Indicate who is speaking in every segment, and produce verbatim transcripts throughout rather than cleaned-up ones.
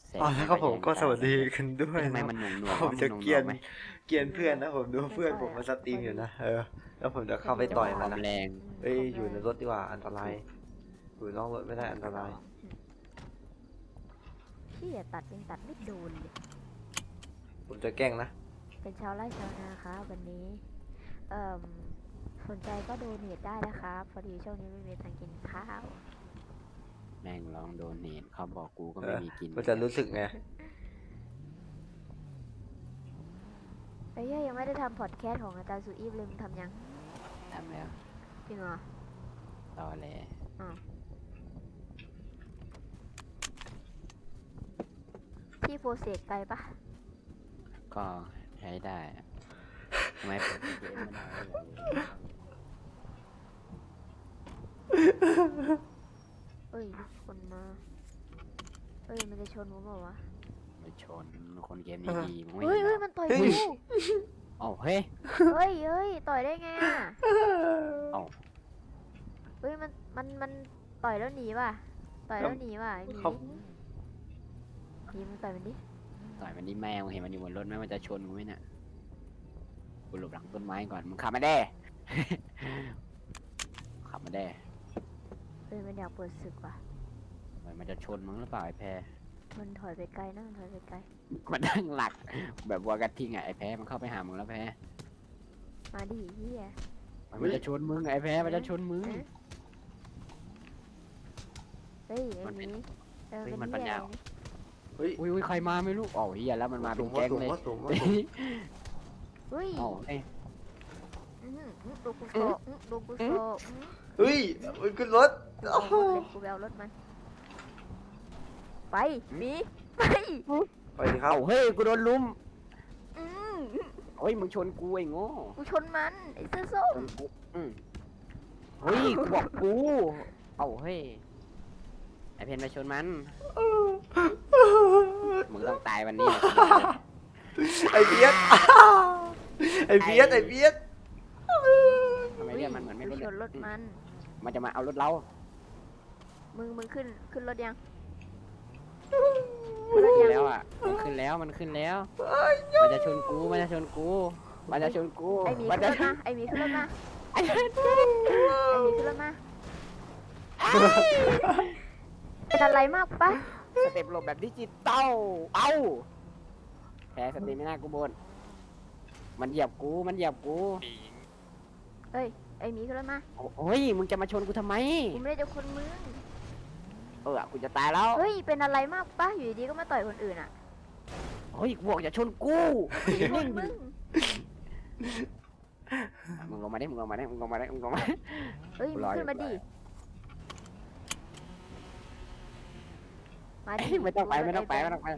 Speaker 1: แสง
Speaker 2: อ๋อ
Speaker 1: มั
Speaker 2: แล้ว
Speaker 1: น
Speaker 2: ก็
Speaker 1: ก็
Speaker 2: ผม
Speaker 1: แยง
Speaker 2: ก็ส
Speaker 1: ตา
Speaker 2: วัส
Speaker 1: เล
Speaker 2: ดี
Speaker 1: ย
Speaker 2: กันด้ว
Speaker 1: เฮ้
Speaker 2: ย
Speaker 1: ย ทำไม
Speaker 2: นะ
Speaker 1: มันหน่วง
Speaker 2: ผม
Speaker 1: ๆวะ
Speaker 2: จะ
Speaker 1: มัน
Speaker 2: เกรียน
Speaker 1: หน่วงๆไหม?
Speaker 2: เกรียนเพื่อนนะ ผมดูเพื่อน
Speaker 3: ไม่
Speaker 2: ผม
Speaker 3: ค่อย
Speaker 2: มา
Speaker 3: อะ
Speaker 2: สตรีม
Speaker 3: พอ
Speaker 2: อยู่
Speaker 3: ดี
Speaker 2: นะ เออ แล้วผมจะเข้าไป
Speaker 3: พอดี
Speaker 2: ต่อย
Speaker 1: ค
Speaker 2: มั
Speaker 1: วาน ม
Speaker 2: นะ
Speaker 1: แรง
Speaker 3: อืม
Speaker 2: เฮ้ย
Speaker 3: ความ
Speaker 2: อยู่ใน
Speaker 3: แรง
Speaker 2: รถดีกว่า อันตราย อยู่นอกรถไม่ได้ อันตราย
Speaker 3: อืม เหี้ย ตัดยังตัดไม่โดนเลย
Speaker 2: ผมจะแกล้งนะ
Speaker 3: เป็นชาวไร่ชาวนาครับวันนี้ เอ่อ สนใจก็โดเนทได้นะครับ พอดีช่วงนี้ไม่มีตังค์กินข้าว
Speaker 1: แม่งร้องโดเนท เขาบอกกูก็
Speaker 2: เอ
Speaker 1: ไม่
Speaker 2: อ
Speaker 1: มีกิน
Speaker 2: มันจะรู้สึกไง?
Speaker 3: ไอ้เหี้ย ยังไม่ได้ทำพอดแคสต์ของอาจารย์สุอีฟเลย มึงทำยัง?
Speaker 1: ทำแล้ว
Speaker 3: จริงเหรอ?
Speaker 1: ตอแหล
Speaker 3: อ้าว พี่โปรเซสไกลเปล่า?
Speaker 1: ก็ใช้ได้อะ ทำไม ผม ไม่ได้
Speaker 3: เฮ้ย มีคนมา เฮ้ย มันจะชนผมเปล่าวะ?
Speaker 1: ไม่ชน คนเกมนี้ดี มึงไม่
Speaker 3: เฮ้
Speaker 1: เห็
Speaker 3: ย
Speaker 1: นเหรอ?
Speaker 3: ๆ มันต่อย
Speaker 2: เฮ้
Speaker 3: กู
Speaker 2: ย
Speaker 1: อ้าว เฮ้ย
Speaker 3: เฮ้ยเฮ้ย ต่อยได้ไงอะ?
Speaker 1: อ้าว
Speaker 3: เฮ้ย มัน มัน มันต่อยแล้วหนีว่ะ ต่อยแล้วหนีว่ะ ไอ้หมี
Speaker 2: ครับ
Speaker 3: หมีมึงต่อยมันดิ
Speaker 1: ต่อยมันดิแม่มึงเห็นมันอยู่บนรถไหม มันจะชนกูไหมเนี่ย กูหลบหลังต้นไม้ก่อน มึงขับมาแด้ ขับมาแด้
Speaker 3: เฮ้ย มันอยากเปิดศึกว่ะ
Speaker 1: มันจะชนมึงหรือเปล่าไอ้แพร?
Speaker 3: มันถอยไปไกลนะ มันถอยไปไกล
Speaker 1: มันตั้งหลัก แบบวัวกระทิงอะไอ้แพร มันเข้าไปหามึงแล้วแพร
Speaker 3: มาดิเหี้ย
Speaker 1: มันจะชนมึงไอ้แพร มันจะชนมึง
Speaker 3: เฮ้ย ไอ้
Speaker 1: มัน
Speaker 3: ห
Speaker 1: เป็
Speaker 3: มี
Speaker 1: น
Speaker 3: เออ
Speaker 1: เฮ้ย
Speaker 3: เป็น
Speaker 1: มันปัญ
Speaker 3: เหี้ย
Speaker 1: ญา
Speaker 3: อะไรนี่
Speaker 2: เฮ้ย
Speaker 1: อุ๊ย ๆ ใครมาไม่รู้ อ้าว เหี้ย แล้วมันมาเป็
Speaker 2: สู
Speaker 1: น
Speaker 2: ง
Speaker 1: แก๊ง
Speaker 2: สูง
Speaker 1: เลย
Speaker 2: สูงสูง
Speaker 3: เฮ้ย
Speaker 1: อ้าว เฮ้ย
Speaker 3: อื้อหืออื้อโดนกูโซะอื้อโดนกูโซะอื้อ
Speaker 2: เฮ้ยมันขึ้นรถ
Speaker 3: กู
Speaker 2: โอ้
Speaker 3: เอา
Speaker 2: โห
Speaker 3: รถเลยกูไปเอารถมัน ไปหมีไป
Speaker 2: ไปดิครับ
Speaker 1: อ้าว เฮ้ย กูโดนลุม
Speaker 3: อืม
Speaker 1: เฮ้ย มึงชนกูไอ้โง่
Speaker 3: กูชนมัน ไอ้เสื้อส้
Speaker 1: ช
Speaker 3: ม
Speaker 1: นกู อืมเฮ้ย กูบอกกู อ้าว เฮ้ย ไอ้เพนไปชนมัน มึงต้องตายวันนี้แหละ
Speaker 2: ไอ้เบียด ไอ้เบียด ไอ้เบียด
Speaker 1: ทำไมเรียกมันเหมือนไม่
Speaker 3: กู
Speaker 1: รู้
Speaker 3: ช
Speaker 1: เรื่อง
Speaker 3: นรถมัน
Speaker 1: มันจะมาเอารถเรา
Speaker 3: มึง มึงขึ้น ขึ้นรถยัง
Speaker 1: มันขึ้นแล้วอ่ะ มันขึ้นแล้ว มันขึ้นแล้ว มันจะชนกู มันจะชนกู มันจะชนกู
Speaker 3: ไอหมี
Speaker 1: มัน
Speaker 3: ขึ้น
Speaker 1: จะ
Speaker 3: รถมา ไอหมีขึ้นรถมา
Speaker 1: ไอ้เหี้ย
Speaker 3: ไอหมีขึ้นรถมา เป็นอะไรมากปะ
Speaker 1: สเต็ปหลบแบบดิจิตอล เอ้า แพ้สเต็ปไม่น่ากูบน มันเหยียบกู มันเหยียบกู
Speaker 3: เอ้ย ไอหมีขึ้นรถมา
Speaker 1: โอ้ย มึงจะมาชนกูทำไม
Speaker 3: กูไม่ได้จะคนมึง
Speaker 1: เออ กูจะตายแล้ว
Speaker 3: เฮ้ย เป็นอะไรมากปะอยู่ดีๆก็มาต่อยคนอื่นอ่ะ
Speaker 1: เฮ้ย กูบอกอย่าชนกู
Speaker 3: ชนมึง
Speaker 1: มึงลงมาดิ มึงลงมาดิ มึงลงมาดิ มึงลงมา
Speaker 3: เฮ้ย มึงขึ้นมาดิ มาดิ
Speaker 1: ไม่ต้องไป ไม่ต้องไป ไม่ต้องไป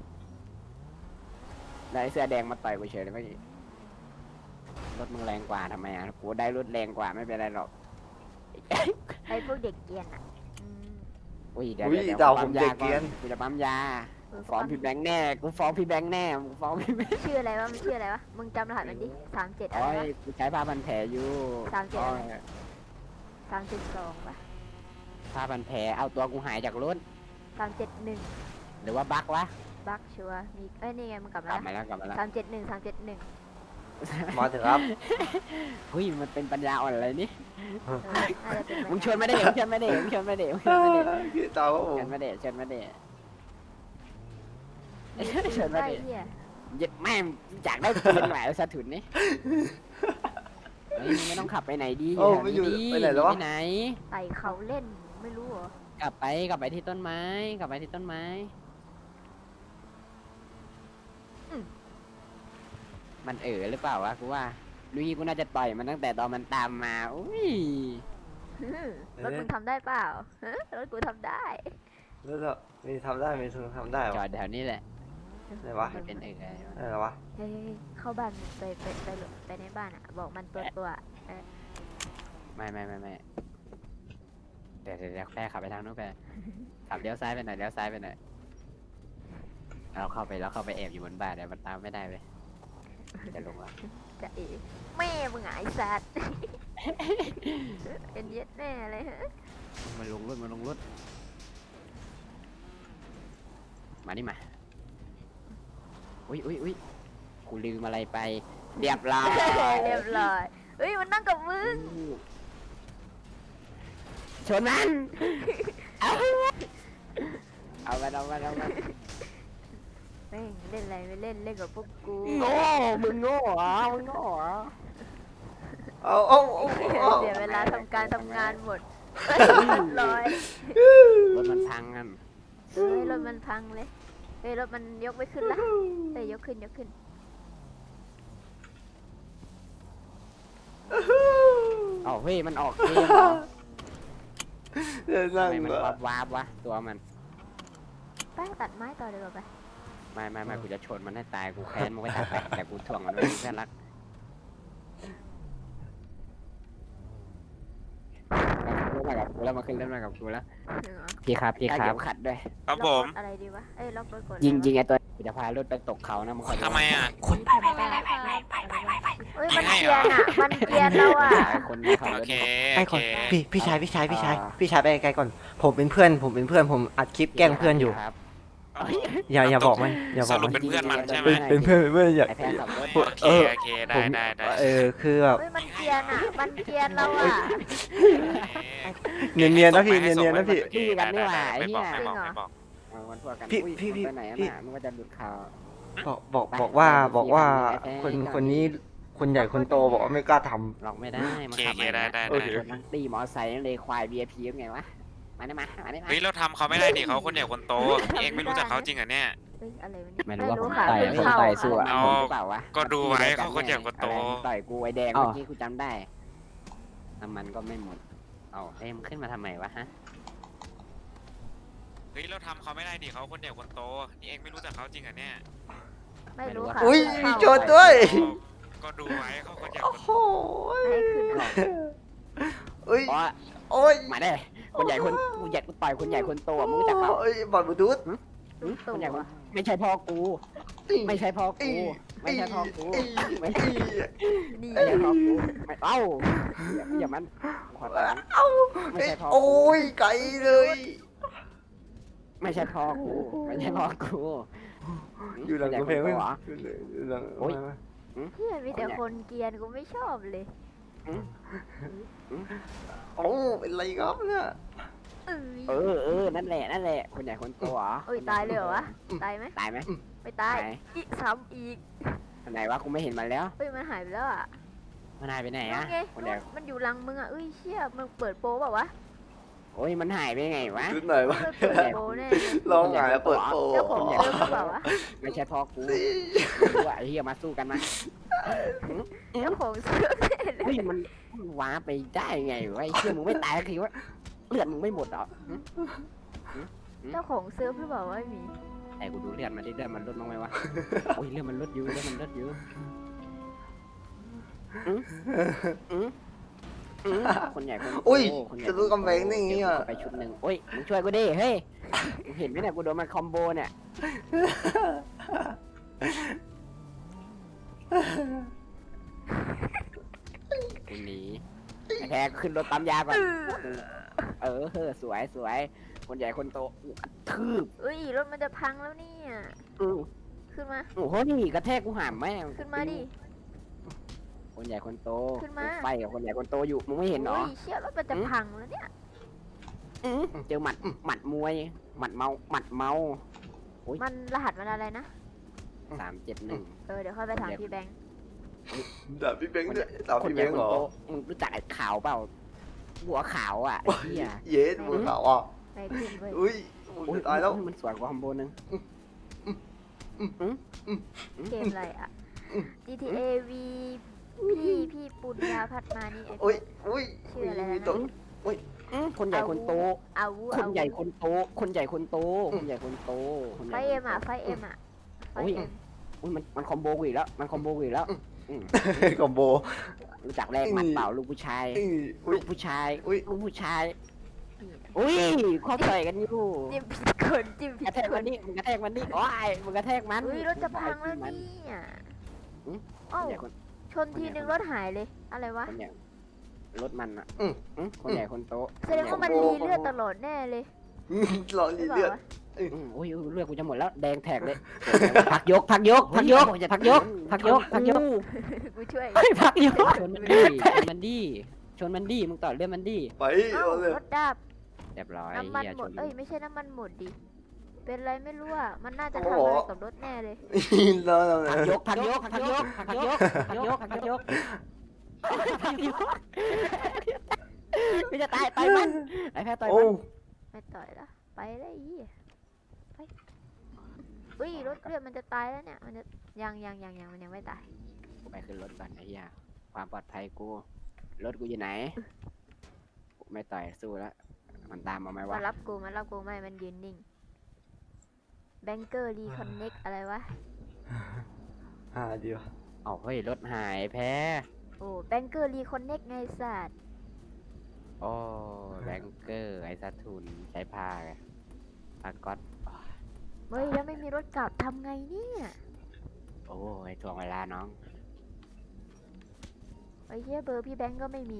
Speaker 1: ได้เสื้อแดงมาต่อยกูเฉยเลยเมื่อกี้รถมึงแรงกว่าทำไมอ่ะ กูได้รถแรงกว่าไม่เป็นไรหรอก
Speaker 3: ไอพวกเด็กเกรียนอ่ะอืม
Speaker 1: อุ้ยเดี๋ยว
Speaker 2: อุ้ย
Speaker 1: เดี๋ยว
Speaker 2: ดาว
Speaker 1: ปั๊
Speaker 2: ผม มเด็กเกรียน
Speaker 1: กูจะปั๊มยา
Speaker 3: เออ
Speaker 1: ฟ้องพี่แบงค์แน่ กูฟ้องพี่แบงค์แน่ กูฟ้องพี่แบงค์
Speaker 3: ชื่ออะไรวะ มันชื่ออะไรวะ มึงจำรหัสมันดิสามเจ็ดอะไร
Speaker 1: โอ้ยว
Speaker 3: ะ
Speaker 1: กูใช้ผ้าพันแผลอยู่
Speaker 3: สามเจ็ด
Speaker 1: โอ้
Speaker 3: อะไร
Speaker 1: ย
Speaker 3: สามเจ็ดสองปะ
Speaker 1: ผ้าพันแผลเอาตัวกูหายจากรถ
Speaker 3: สามเจ็ดหนึ่ง
Speaker 1: หรือว่าบั๊กวะ
Speaker 3: บักชัวร์มีเอ้ย นี่ไง มึงกลับ
Speaker 1: กลั
Speaker 3: มา
Speaker 1: บมาแล้วกลับมาแล้ว
Speaker 3: สามเจ็ดหนึ่งสามเจ็ดหนึ่ง
Speaker 2: มาเถอะครับ
Speaker 1: เฮ้ยมันเป็นปัญญาอ่อนอะไรนี่
Speaker 3: น่าจะเป็น
Speaker 1: มึงชวนไม่ได้มึงชวนไม่ได้มึงชวนไม่ได้มึงชวนไม่ได้
Speaker 2: พี่ตาวครับผ
Speaker 1: ช
Speaker 2: ม
Speaker 1: วนไม่ได้ชวนไม่ได้
Speaker 3: เชิญมาดิเฮีย
Speaker 1: ยึดแม่งอยากได้ปืนแหวนสะถุนนี่เฮ้ยมึงไม่ต้องขับไปไหนดี
Speaker 2: โอ้
Speaker 1: แถว
Speaker 2: ไม่อยู่
Speaker 1: ดี
Speaker 2: ไปไหนแล้ววะ
Speaker 1: ไปไหน
Speaker 3: ไต่เขาเล่น ไม่รู้เหรอ
Speaker 1: กลับไปกลับไปที่ต้นไม้ กลับไปที่ต้นไม้ มันเอ๋อหรือเปล่าวะกูว่าลุยกูน่าจะต่อยมันตั้งแต่ตอนมันตามมาอุ้ย
Speaker 3: รถมึงทำได้เปล่าฮะรถกูทำได้
Speaker 2: แล้วก็มีทำได้ มีทุนทำได้
Speaker 1: จอ
Speaker 2: วะ
Speaker 1: ดแถวนี้แหละ
Speaker 2: ไหนวะ
Speaker 1: มันเป็นเอ๋ออะไรวะ
Speaker 2: ไหนเหรอวะ
Speaker 3: เฮ้ยเข้าบ้านไปไปไปไปในบ้านอ่ะ บอกมันตัวตัวเออ
Speaker 1: ไม่ไม่ไม่ไม่เดี๋ยวเดี๋ยวเดี๋ยวแค่ขับไปทางนู้นไปขับเลี้ยวซ้ายไปหน่อยเลี้ยวซ้ายไปหน่อยเราเข้าไปแล้วเข้าไปแอบอยู่บนบ้านเดี๋ยวมันตามไม่ได้เว้ยจะลงละ
Speaker 3: จะเอ๋แม่มึงไอ้สัตว์ เป็นเย็ดแน่เลยฮะ
Speaker 1: มันลงรถมันลงรถมมานี่มาอุ้ยอุ้ยอุ้ยกูลืมอะไรไปเรียบร้อย
Speaker 3: เรียบร้อยเฮ้ยมันนั่งกับมึง
Speaker 1: ชนมันเอาเอามาเอามาเอามา
Speaker 3: แม่งเล่นอะไรไม่เล่นเล่นกับพวกกู
Speaker 1: โง่มึงโง่เหรอมึงโง่เหรอ
Speaker 2: เอาเอาเอาเอา
Speaker 3: เสียเวลาทำการทำงานหมดเรียบร้อย
Speaker 1: รถมันพังกัน
Speaker 3: เฮ้ยรถมันพังเลยเฮ้ยรถมันยกไม่ขึ้นละเฮ้ยยกขึ้นยกขึ้น
Speaker 1: อ๋อเฮ้ยมันออกเกมเหรอ
Speaker 2: เดี๋ยว
Speaker 1: ทำ
Speaker 2: นั่ง
Speaker 1: ไมมัน
Speaker 2: เหรอ
Speaker 1: วาบวาบวะตัวมัน
Speaker 3: ไปตัดไม้ต่อเดี๋ยวาไป
Speaker 1: ไม่ไม่ไม่กูจะชนมันให้ตายกูแค้นมึงไว้ตัดไปแต่กูถ่วงมันไว้เพื่อนรักเล่นมากับกูแล้วมาขึ้นเล่นมากับกูแล้ว
Speaker 3: จริงเหรอ
Speaker 1: พี่ครับพี่ครับขัดด้วย
Speaker 4: ครับ
Speaker 3: ล็
Speaker 4: ผ
Speaker 3: อก
Speaker 4: ม
Speaker 3: รถอะไรดีวะเอ้ยล็อกรถก่อน
Speaker 1: ยิง
Speaker 3: นะ
Speaker 1: ยิงไอตัวกูจะพารถไปตกเขานะมึงคอยดู
Speaker 4: ทำไมอ่ะ
Speaker 2: คน
Speaker 3: แผ่นแป้งเฮ้ยมันเกรียนอ่ะมันเกรียนแล้วอ่ะ
Speaker 1: ไอ้คนที่เขา
Speaker 4: โอ
Speaker 1: รถ
Speaker 4: เค
Speaker 2: ไอ้
Speaker 4: โอ
Speaker 2: ค
Speaker 4: เคน
Speaker 2: พี่พี่ชายพี่ชายพี่ชาย
Speaker 1: อ่า
Speaker 2: พี่ชายไปไกลๆก่อน ผมเป็นเพื่อนผมเป็นเพื่อนผมอัดคลิปแกล้งเพื่อนอยู่
Speaker 1: ครับ
Speaker 2: อย่าอย่าบอกมันอย่าบ
Speaker 4: ส
Speaker 2: อก
Speaker 4: รุ
Speaker 2: มั
Speaker 4: ป
Speaker 2: น
Speaker 4: เป็นเพื่อนมันใช่ไหม
Speaker 2: เป็นเป็นเพื่อนเป็นเพื่อนอย่า
Speaker 1: ไอแพนขับรถ
Speaker 4: โอเค
Speaker 2: เออ
Speaker 4: โอเค
Speaker 2: ผ
Speaker 4: ได้
Speaker 2: ม
Speaker 4: ได้ได้
Speaker 2: เออคือแบบ
Speaker 3: เฮ้ยมันเกรียนอ่ะมันเกรียนแล้วอ่ะ
Speaker 2: เนียนเนียนๆนะพี่เนียนเนียนๆนะพี่
Speaker 4: โอเคได้ได้ได้ไม่บอกไม่บอกไม่บอก
Speaker 1: เอาวันพวกกัน
Speaker 2: พี่
Speaker 1: อุ้ย
Speaker 2: พี่พี่
Speaker 1: ไปไหนอะ
Speaker 2: พี่
Speaker 1: น่ะมึงก็จะหลุดข่าว
Speaker 2: บอกบอกบอกว่าบอกว่าคนคนนี้คนใหญ่คนโตบอกว่าไม่กล้าท
Speaker 1: หลอกไม่ได้
Speaker 4: โอ
Speaker 1: มัน
Speaker 4: เค
Speaker 1: ขั
Speaker 4: โอบ เค
Speaker 1: มา
Speaker 4: ได้ได้
Speaker 2: โอ
Speaker 4: ได้
Speaker 2: เค
Speaker 1: ชนนักตีมอไซค์นั่นเลยควาย วี ไอ พี ยังไงวะมาได้มามาได้มา
Speaker 4: เฮ้ยเราทำเขาไม่ได้ดิเขาคนใหญ่คนโตพี่เองไม่รู้จักเขาจริงเหรอเนี่ย
Speaker 3: เฮ้ยอะไรวะเนี่ย
Speaker 1: ไม่รู้ว่าผม
Speaker 3: ค่ะ
Speaker 1: ต่อย
Speaker 3: เพิ่ง
Speaker 1: ผม
Speaker 3: เข้า
Speaker 1: ต่อยสู้อะ
Speaker 4: เอา
Speaker 1: ผมหรือเปล่าวะ
Speaker 4: ก็ดูไว้เขาคนใหญ่คนโต
Speaker 1: อะไรต่อยกูไอแดง
Speaker 2: อ๋อ
Speaker 1: เมื่อกี้กูจำได้น้ำมันก็ไม่หมดเอาเอ้ยมันขึ้นมาทำไมวะฮะ
Speaker 4: เฮ้ยเราทำเขาไม่ได้ดิเขาคนใหญ่คนโตนี่เองไม่รู้จักเขาจริงเหรอเนี่ย
Speaker 3: ไม่รู้ค่ะ
Speaker 2: ำอุ้ย
Speaker 3: เพิ่ง
Speaker 2: โจ
Speaker 3: เข้า
Speaker 2: ดด้วย
Speaker 4: ก็ดูไว้เขาคนใหญ่
Speaker 2: โอ้
Speaker 4: คน
Speaker 2: โห
Speaker 3: ให้ขึ้นก่อน
Speaker 2: อุ้ย
Speaker 1: เพราะ
Speaker 2: โอ้ย
Speaker 1: มาได้คนใหญ่คนกูใหญ่กูต่อยคนใหญ่คนโตอะมึงรู้จักเปล่า
Speaker 2: โอ้ยบอลบลูทูธ
Speaker 1: หึคนใหญ่คนไม่ใช่พ่อกู ไม่ใช่พ่อกูไม่ใช่พ่อกูไม่ใช่
Speaker 3: นี่
Speaker 1: ไม่ใช่พ่อกูไม่เอ้าอย่าอย่ามันขอตังค์
Speaker 2: เอ้า
Speaker 1: ไม่ใช่พ่อ
Speaker 2: โอ้
Speaker 1: กู
Speaker 2: ยไกลเลย
Speaker 1: ไม่ใช่พ่อกูไม่ใช่พ่อกู
Speaker 2: อยู่หลังกำแพง
Speaker 1: ไม่
Speaker 2: ไม่
Speaker 1: เหรอ
Speaker 2: อยู่หลัง
Speaker 1: โอ้ย
Speaker 3: เพื่อนมีแต่คนเกรียนกูไม่ชอบเลย
Speaker 2: โอ้เป็นไรครับเนี่ย
Speaker 3: เอ้ย
Speaker 1: เออเออนั่นแหละนั่นแหละคนใหญ่คนโตเหรอ
Speaker 3: เอ้ยตายเลยเหรอวะตายไหม
Speaker 1: ตายไหม
Speaker 3: ไม่ตาย
Speaker 1: ไหน
Speaker 3: อีกซ้ำอีก
Speaker 1: อันไหนวะกูไม่เห็นมันแล้ว
Speaker 3: เฮ้ยมันหายไปแล้วอ่ะ
Speaker 1: มันหายไปไหน
Speaker 3: นั่
Speaker 1: อะ
Speaker 3: นไง
Speaker 1: คนใหญ่
Speaker 3: มันอยู่หลังมึงอ่ะเอ้ยเชี่ยมึงเปิดโปรเปล่าวะ
Speaker 1: โอ้ยมันหายไปยังไงวะ
Speaker 2: ชุดไหนวะ
Speaker 3: มันเปิดโปรแน่เลย
Speaker 2: ลองหงายเปิดโป
Speaker 3: เจ้าของเซิร์ฟหรือเปล่าวะ
Speaker 1: ไม่ใช่พ่อกูไม่รู้อะไอ้เหี้ยมาสู้กันมา
Speaker 3: เจ้าของเซิร์ฟแน่เลย
Speaker 1: เฮ้ยมันมันว้าไปได้ไงวะไอ้เชี่ยมึงไม่ตายคือว่าเลือดมึงไม่หมดเหรอหึ
Speaker 3: เจ้าของเซิร์ฟหรือเปล่าวะไอ้หมี
Speaker 1: ไอ้กูดูเลือดมันดิเลือดมันลดบ้างไหมวะโอ้ยเลือดมันลดอยู่เลือดมันลดอยู่อืมอืมอืมคนใหญ่คนโต
Speaker 2: อุ้ย
Speaker 1: คนใหญ่
Speaker 2: จะรู้กำแพงได้ไงอ่ะ
Speaker 1: ไปชุดหนึ่งโอ้ยมึงช่วยกูดิเฮ้ยมึงเห็นไหมเนี่ยกูโดนมันคอมโบเนี่ยกูหนีไอ้แพ้ขึ้นรถปั๊มยาก่อน เออเออสวยสวยคนใหญ่คนโตอู้กระทืบ
Speaker 3: เอ้ยรถมันจะพังแล้วเนี่ย
Speaker 1: อือ
Speaker 3: ขึ้นมา
Speaker 1: โอ้โหนี่กระแทกกูหามแม่ง
Speaker 3: ขึ้นมาดิ
Speaker 1: คนใหญ่คนโต
Speaker 3: ขึ้นมา
Speaker 1: ไฟกับคนใหญ่คนโตอยู่มึงไม่เห็นเหรอ
Speaker 3: โอ้ยเชี่ยรถมันจะพังแล้วเนี่ย
Speaker 1: อื้อเจอหมัดหมัดมวย หมัดเมาหมัดเมา
Speaker 3: มันรหัสมันอะไรนะ
Speaker 1: สามเจ็ดหนึ่ง
Speaker 3: เออเดี๋ยวค่อยไปถามพี่แบงค์
Speaker 2: ด่าพี่เบงค์ด้วยด่า
Speaker 1: คน
Speaker 2: พี่
Speaker 1: ให
Speaker 2: เบ
Speaker 1: ญ่
Speaker 2: ง
Speaker 1: ค
Speaker 2: ค์
Speaker 1: น
Speaker 2: เหรอ
Speaker 1: โตมึงรู้จักไอ้ขาวเปล่าหัวขาวอ่ะไอ้เหี้ย
Speaker 2: เย็ดมือขาวอ่ะ
Speaker 3: ไปขึ้นเว้ย
Speaker 2: อุ้ยอุ้ยตายแล้ว
Speaker 1: มันสวยกว่าคอมโบนึง
Speaker 3: เกมอะไรอ่ะ จี ที เอ V พี่พี่ปุญญาพัฒมานี่ไอ้
Speaker 2: อุ้ยอุ้ย
Speaker 3: ชื่ออะไร
Speaker 2: มี
Speaker 3: นะ
Speaker 2: ตัว
Speaker 1: อื้อคนใหญ่คนโต
Speaker 3: อาวุ
Speaker 1: คนใหญ่คนโต คนใหญ่คนโต คนใหญ่คนโตคนให
Speaker 3: ไฟ
Speaker 1: ญ่
Speaker 3: เอ็
Speaker 1: คน
Speaker 3: ม
Speaker 1: โต
Speaker 3: อ่ะไฟเอ็มอ่ะไฟ
Speaker 1: โอ้ย
Speaker 3: เอ็ม
Speaker 1: อุ้ยมันมันคอมโบกูอีกแล้ว มันคอมโบกูอีกแล้วอืม
Speaker 2: คอมโบ
Speaker 1: รู้จักแรกหมัดเปล่าลูกผู้ชาย
Speaker 2: อุ้
Speaker 1: ลู
Speaker 2: ย
Speaker 1: กผู้ชาย
Speaker 2: อุ๊ย
Speaker 1: ลูกผู้ชาย อุ้ยข้อต่อยกันอยู่
Speaker 3: จิ้มผิดคนจิ้มผิ
Speaker 1: กระ
Speaker 3: ด
Speaker 1: แทก
Speaker 3: ค
Speaker 1: มัน นนี่มึงกระแทกมันนี่โอ้ยมึงกระแทกมัน
Speaker 3: อุ้ยรถจะพังแล้ว
Speaker 1: มัน
Speaker 3: เนี่ย
Speaker 1: อืม
Speaker 3: เอ้า
Speaker 1: คนใหญ่คน
Speaker 3: ชนทีนึงรถหายเลย อะไรวะ
Speaker 1: คนใหญ่รถมันอ่ะ
Speaker 2: อืม
Speaker 1: อืมคนใหญ่คนโต
Speaker 3: แสดงว่ามันรีเลือดตลอดแน่เลย
Speaker 2: รอ
Speaker 3: ห
Speaker 2: รี
Speaker 3: รือเป
Speaker 2: เลือ
Speaker 3: ล่า
Speaker 2: ด
Speaker 3: วะ
Speaker 2: เอ
Speaker 1: อืมอุ้ยอุ้ยเลือดกูจะหมดแล้วแดงแท็กเลยพักยกพักยกพักยกพักยกพักยกพักยก
Speaker 3: กูช่วย
Speaker 1: เฮ้ยพักยกชนมันดีชนมันดีชนมันดีมึงต่อเลือดมันดี
Speaker 2: ไป
Speaker 3: เอ้า
Speaker 2: เอาเลย
Speaker 3: รถดับ
Speaker 1: เรียบร้อย
Speaker 3: น้ำมัน
Speaker 1: เหี้ย
Speaker 3: หม
Speaker 1: ช
Speaker 3: ด
Speaker 1: น
Speaker 3: เอ้ยไม่ใช่น้ำมันหมดดิเป็นไรไม่รู้อ่ะมันน่าจะ
Speaker 2: โอ้
Speaker 3: ทำ
Speaker 2: โห
Speaker 3: อะไรกับรถแน่เลย
Speaker 2: แล้วแล้ว
Speaker 1: พักยกพักยกพักยกพักยกพักยกพักยกพักยกไม่จะตายต่อยมันไอ้แพ้ต่อย
Speaker 2: โอ้
Speaker 1: มัน
Speaker 3: ไม่ต่อยละไปเลยไอ้เหี้ยไปอุ้ยรถเลือดมันจะตายแล้วเนี่ยมันจะยังยังยังยังมันยังไม่ตาย
Speaker 1: กูไปขึ้นรถก่อนไอ้เหี้ยความปลอดภัยกูรถกูอยู่ไหนกูไม่ต่อยสู้แล้วมันตามมาไหมวะ
Speaker 3: มารับกูมารับกูไม่มันยืนนิ่งแบงเกอร์รีคอนเน็กอะไรวะ
Speaker 2: หาเดียว
Speaker 1: เอาเฮ้ยรถหายแพ้
Speaker 3: โอ้แบงเกอร์รีคอนเน็กไงสัตว์
Speaker 1: โอ้แบงเกอร์ไอ้สัตว์ทุนใช้ผ้าไงผ้าก๊อต
Speaker 3: เฮ้ยแล้วไม่มีรถกลับทำไงเนี่ย
Speaker 1: โอ้ยทวงเวลาน้อง
Speaker 3: ไอ้เหี้ยเบอร์พี่แบงก์ก็ไม่มี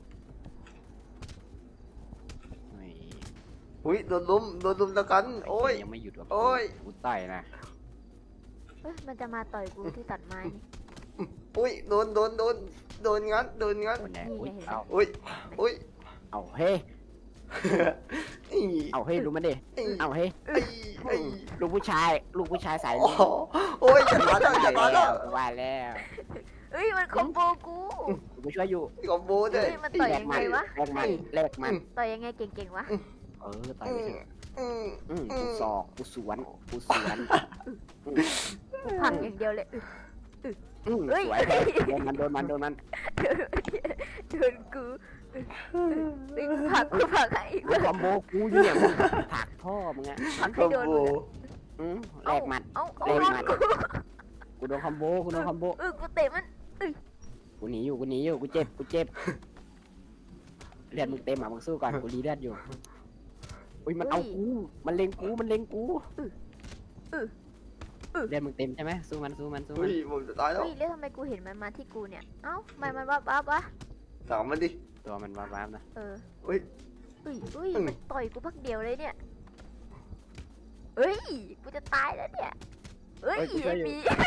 Speaker 1: เฮ้ย
Speaker 2: อุ้ยโดนลุมโดนลุมตะกัน โอ้ย
Speaker 1: ยังไม่หยุดว่ะ
Speaker 2: โอ้ย
Speaker 1: กูต่อยนะ
Speaker 3: เฮ้ยมันจะมาต่อยกูที่ตัดไม้นี่
Speaker 2: อุ้ยโดนโดนโดนโดนงัดโดนงัด
Speaker 1: คนแน่
Speaker 3: นี่
Speaker 1: อุ้ย
Speaker 3: ไงเห็นไหม
Speaker 1: เอา
Speaker 2: อุ้ยอุ้ย
Speaker 1: เอาเฮ้ย
Speaker 2: อี
Speaker 1: เอาเฮ้ยรู้มันดิ
Speaker 2: อี
Speaker 1: เอาเฮ้ย
Speaker 2: ไอ้ไอ้
Speaker 1: ลูกผู้ชาย ลูกผู้ชายสาย
Speaker 2: โอ้โหโอ้ยจะตายแล้วจะตายแล้ว
Speaker 1: ว่าแล้ว
Speaker 3: เฮ้ยมันคอมโบกู
Speaker 1: กูช่วยอยู่
Speaker 2: คอมโบด้วย
Speaker 3: เฮ้ยมันต่อยยังไงวะ
Speaker 1: แลกมันแลกมัน
Speaker 3: ต่อยยังไงเก่งๆวะ
Speaker 1: เออต่อยไปเถอะ
Speaker 2: อืม
Speaker 1: อืม
Speaker 2: อื
Speaker 1: กู
Speaker 2: ม
Speaker 1: ศอกกูสวนกูสวน
Speaker 3: กูผลักอย่างเดียวเลย
Speaker 1: อืม
Speaker 3: เฮ้ย
Speaker 1: สวยแพ้โดนมันโดนมันโดนมัน
Speaker 3: โดนกูเฮ้ยกูผลักกูผลักให้อีก
Speaker 1: มึงคอมโบกูอยู่เนี่ยมึงผลักพ่อมึงอะ
Speaker 3: ผลัก
Speaker 2: ค
Speaker 3: ให้
Speaker 2: อม
Speaker 3: โดน
Speaker 2: โบ
Speaker 3: มึงอะ
Speaker 1: อืมแลกมัน
Speaker 3: เอ้าเอา
Speaker 1: แลก
Speaker 3: เอา
Speaker 1: มัน
Speaker 3: กู
Speaker 1: กูโดนคอมโบกูโดนคอมโบ
Speaker 3: เออกูเตะมัน
Speaker 1: กูหนีอยู่กูหนีอยู่กูเจ็บกูเจ็บเลือดมึงเต็มอ่ะมึงสู้ก่อนกูรีเลือดอยู่อุ้ยมันเอากูมันเล็งกูมันเล็งกูเลือดมึงเต็มใช่ไหมสู้มันสู้มันสู้
Speaker 2: อุ้
Speaker 1: มัน
Speaker 2: ยผมจะตายแล้ว
Speaker 3: เฮ้ยแล้วทำไมกูเห็นมันมาที่กูเนี่ยเอ้าทำไมมันวับวับวะ
Speaker 2: ถามมันดิ
Speaker 1: ตัวมันว้าวๆนะ
Speaker 3: เออ
Speaker 2: อุ้ย
Speaker 3: อุ้ยอุ้ย
Speaker 2: อืม
Speaker 3: มันต่อยกูพักเดียวเลยเนี่ยเฮ้ยกูจะตายแล้วเนี่ยเฮ้ยไอ้หมี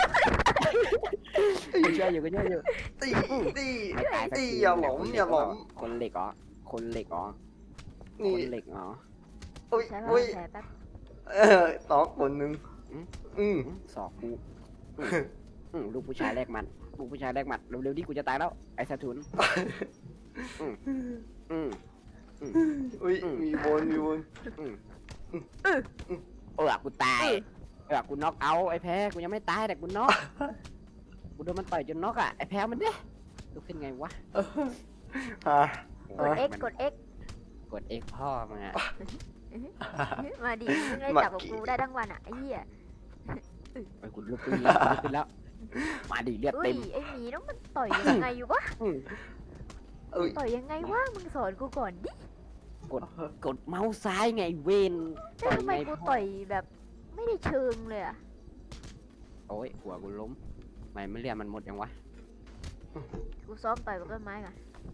Speaker 1: กูช่วยอยู่กูช่วยอยู่
Speaker 2: ตีตี
Speaker 1: ไม่ตายสัก
Speaker 2: ตี
Speaker 1: ที
Speaker 2: อย่าหลงอย่าหลง
Speaker 1: คนเหล็กอ๋อคนเหล็กอ๋อค
Speaker 2: นี่
Speaker 1: นเหล็กอ๋อ
Speaker 2: อุ้ย
Speaker 3: ใช้
Speaker 2: อุ้ย
Speaker 3: แผลแป๊บ
Speaker 2: เออตอกคนหนึ่งอืม
Speaker 1: อื้อศอกกูอื้ออื้อลูกผู้ชายแรกมันลูกผู้ชายแรกมันเร็วๆดิกูจะตายแล้วไอ้สะทุนอืมอืม
Speaker 2: อุ้ย
Speaker 1: อืม
Speaker 2: มีบนมีบน
Speaker 1: เออกูตายเออกูน็อกเอาท์ไอ้แพ้กูยังไม่ตายแต่กูน็อกกูโดนมันต่อยจนน็อกอ่ะไอ้แพ้มันดิลุกขึ้นไงวะ
Speaker 2: ฮะ
Speaker 3: กด X กด X
Speaker 1: กด X พ่อมึงอ่ะ
Speaker 3: มาดิมึงได้จับกับกูได้ทั้งวันอ่ะไอ้เหี้ย
Speaker 1: ไอ้กูลุกขึ้นแล้วกูลุกขึ้นแล้วมาดิเลือด
Speaker 3: อุ้
Speaker 1: เต็
Speaker 3: ย
Speaker 1: ม
Speaker 3: ไอ้หมีแล้วมันต่อยยังไงอยู่วะ
Speaker 1: อืม
Speaker 2: อุ้ย
Speaker 3: ต่อยยังไงวะมึงสอนกูก่อนดิ
Speaker 1: กดเมาส์ซ้ายไงเวน
Speaker 3: แล้วทำไมกูต่อยแบบไม่ได้เชิงเลยอ่ะ
Speaker 1: โอ้ยหัวกูล้มไม่ไม่เรียนมันหมดยังวะ
Speaker 3: กูซ้อมต่อยกับต้นไม้ก่อน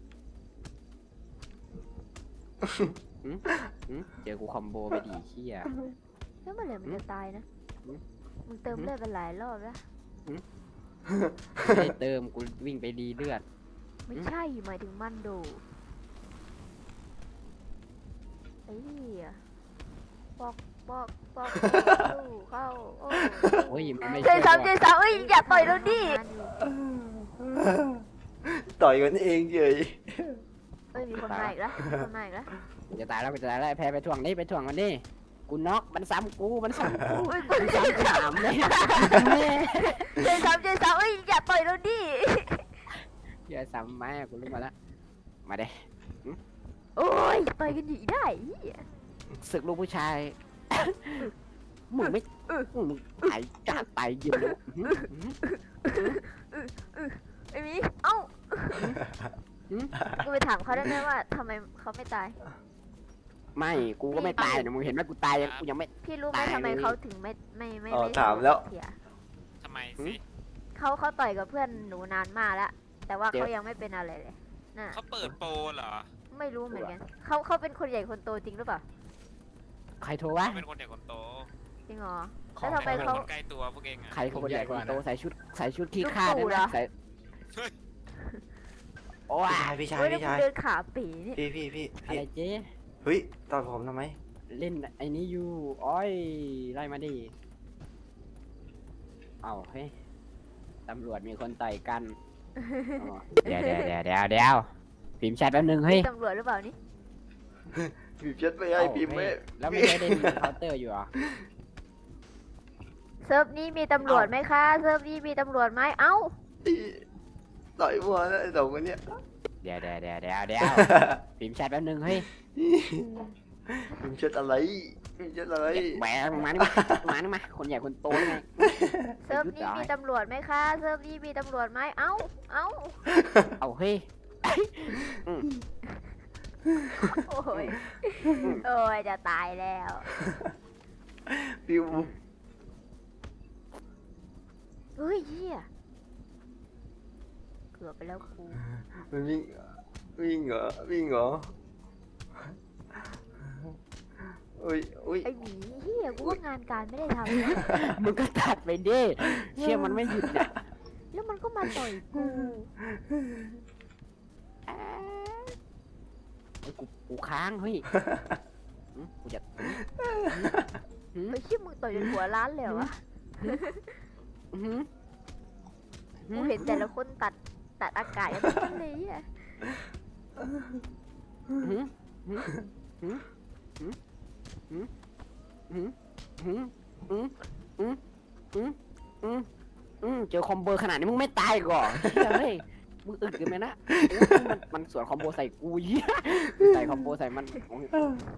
Speaker 1: หึเจอกูคอมโบไปดีเชี่ย
Speaker 3: แล้วเมื่อไหร่มันจะตายนะ
Speaker 1: อืม
Speaker 3: มึงเติมเลือดไปหลายรอบแล้ว
Speaker 1: ไม่ได้เติมกูวิ่งไปดีเลือด
Speaker 3: ไม่ใช่หมายถึงมันโดไอ้เหี้ยปอกปอกปอกสู้เข้าโอ้
Speaker 1: โอ้ยมันไม่
Speaker 3: เจ
Speaker 1: ใช่
Speaker 3: สามเจสามเอ้ยอย่าต่อยเราดิ
Speaker 2: ต่อยกันเองเฉย
Speaker 3: เอ้ยมีคนมาอีกแล้วมีคนมาอีกแล้ว
Speaker 1: กูจะตายแล้วกูจะตายแล้วไอ้แพ้ไปถ่วงนี่ไปถ่วงมันนี่กูน็อกมันซ้ำกูมันซ้ำกู
Speaker 3: อุ้ย
Speaker 1: มันซ้ำกูถามเลยแม่
Speaker 3: เจสามเจสามเอ้ยอย่าต่อยเราดิ
Speaker 1: เหี้ยซ้ำไม้กูลุกมาแล้วมาเด้
Speaker 3: โอ้ยต่อยกันอยู่ได้เหี้ย
Speaker 1: ศึกลูกผู้ชายมึงไม่มึงตายจ้าตายเย็นเลย
Speaker 3: ไอ้หมีเอ้ากูไปถามเขาได้ไหมว่าทำไมเขาไม่ตาย
Speaker 1: ไม่กูก็ไม่ตายนะมึงเห็นไหมกูตายยังกูยังไม่
Speaker 3: พี่รู้ไหม
Speaker 1: ตาย
Speaker 3: ทำไม
Speaker 1: เลย
Speaker 3: เขาถึงไม่ไม่ไม่
Speaker 2: อ๋อ
Speaker 3: ไม่
Speaker 2: ถามแล้ว
Speaker 3: เสีย
Speaker 4: ทำไมสิ
Speaker 3: เขาเขาต่อยกับเพื่อนหนูนานมากแล้วแต่ว่า
Speaker 1: เดี๋ยว
Speaker 3: เขายังไม่เป็นอะไรเลยน่ะ
Speaker 4: เขาเปิดโปรเหรอ
Speaker 3: ไม่รู้เหมือนกันเขาเขาเป็นคนใหญ่คนโตจริงหรือเปล่า
Speaker 1: ใครโทรวะ
Speaker 4: เป็นคนใหญ่คนโต
Speaker 3: จริงเหรอ
Speaker 5: ขอ
Speaker 3: แล้ว
Speaker 5: ง
Speaker 3: ทำไม
Speaker 4: เป็น
Speaker 3: เขา
Speaker 4: คนใกล้ตัวพวกเองอ่ะ
Speaker 1: ใครคนใหญ่คนโต
Speaker 5: ผมใหญ่กว่านะ
Speaker 1: ใส่ชุดใส่ชุดขี้
Speaker 3: ลูก
Speaker 1: ข้า
Speaker 3: ตู่
Speaker 1: ด้วย
Speaker 3: เหร
Speaker 1: นะ
Speaker 3: อ
Speaker 1: ใส่โอ้ย
Speaker 2: พี่ชาย
Speaker 3: เฮ้ย
Speaker 2: พี่
Speaker 3: แล้ว
Speaker 2: ชาย
Speaker 3: กูเดินขาปีนี่
Speaker 2: พี่พี่พี่
Speaker 1: อะ
Speaker 2: พี่
Speaker 1: ไรเจ๊
Speaker 2: เฮ้ยตอนผมทำไม
Speaker 1: เล่นไอ้นี้อยู่อ้อยไล่มาดิเอ้าเฮ้ยตำรวจมีคนต่อยกันอ๋อเดี๋ยวเดี๋ยวเดี๋ยวเดี๋ยวเดี๋ยวพิมพ์แชทแป๊บนึงเฮ้ย
Speaker 3: ตำรวจหรือเปล่านี่
Speaker 2: พิมพ์เช็ดไม่ให้พิมพ์ไม่
Speaker 1: แล้วไม่ได้เล่นเคาน์เตอร์อยู่เหรอ
Speaker 3: เซิร์ฟนี้มีตำรวจไหมคะ เซิร์ฟนี้มีตำรวจไหมเอ้า
Speaker 2: ต่อยมัวนะไอ้สองคนเนี้ย
Speaker 1: เดี๋ยวเดี๋ยวเดี๋ยวเดี๋ยวเดี๋ยวพิมพ์แชทแป๊บนึงเฮ้ย
Speaker 2: พิมพ์เช็ดอะไรพิมพ์เช็ดอะไร
Speaker 1: แหมมานี่มามานี่มาคนใหญ่คนโตยังไง
Speaker 3: เซิร์ฟนี้มีตำรวจไหมคะ เซิร์ฟนี้มีตำรวจไหมเอ้า เอ้า
Speaker 1: เอาเฮ้ย
Speaker 3: โอ้ย โอ้ยจะตายแล้ว
Speaker 2: พิมพ์
Speaker 3: เฮ้ยเหี้ยเกือบไปแล้วกู
Speaker 2: มันวิ่งวิ่งเหรอวิ่งเหรออุ้ยอุ้ย
Speaker 3: ไอหมีเหี้ยกูว่างานการไม่ได้ทำนะ
Speaker 1: มึงก็ตัดไปดิเชื่อมันไม่หยุดเนี่ย
Speaker 3: แล้วมันก็มาต่อยกู
Speaker 1: เฮ้ยกูกูค้างเฮ้ยหึกูจะหึ
Speaker 3: ไอ้เชี่ยมึงต่อยจนหัวล้านเลยเหรอวะ
Speaker 1: หึหึ
Speaker 3: กูเห็นแต่ละคนตัดตัดอากาศอย่างนั้นเลยอ่ะ
Speaker 1: หึหึหึหึหึหึหึหึหึหึหึหึเจอคอมโบขนาดนี้มึงไม่ตายก่อนเชื่อเฮ้ยมึงอึดกันไหมนะโอ้ยมันมันสวนคอมโบใส่กูเหี้ยใส่คอมโบใส่มันโอ้ย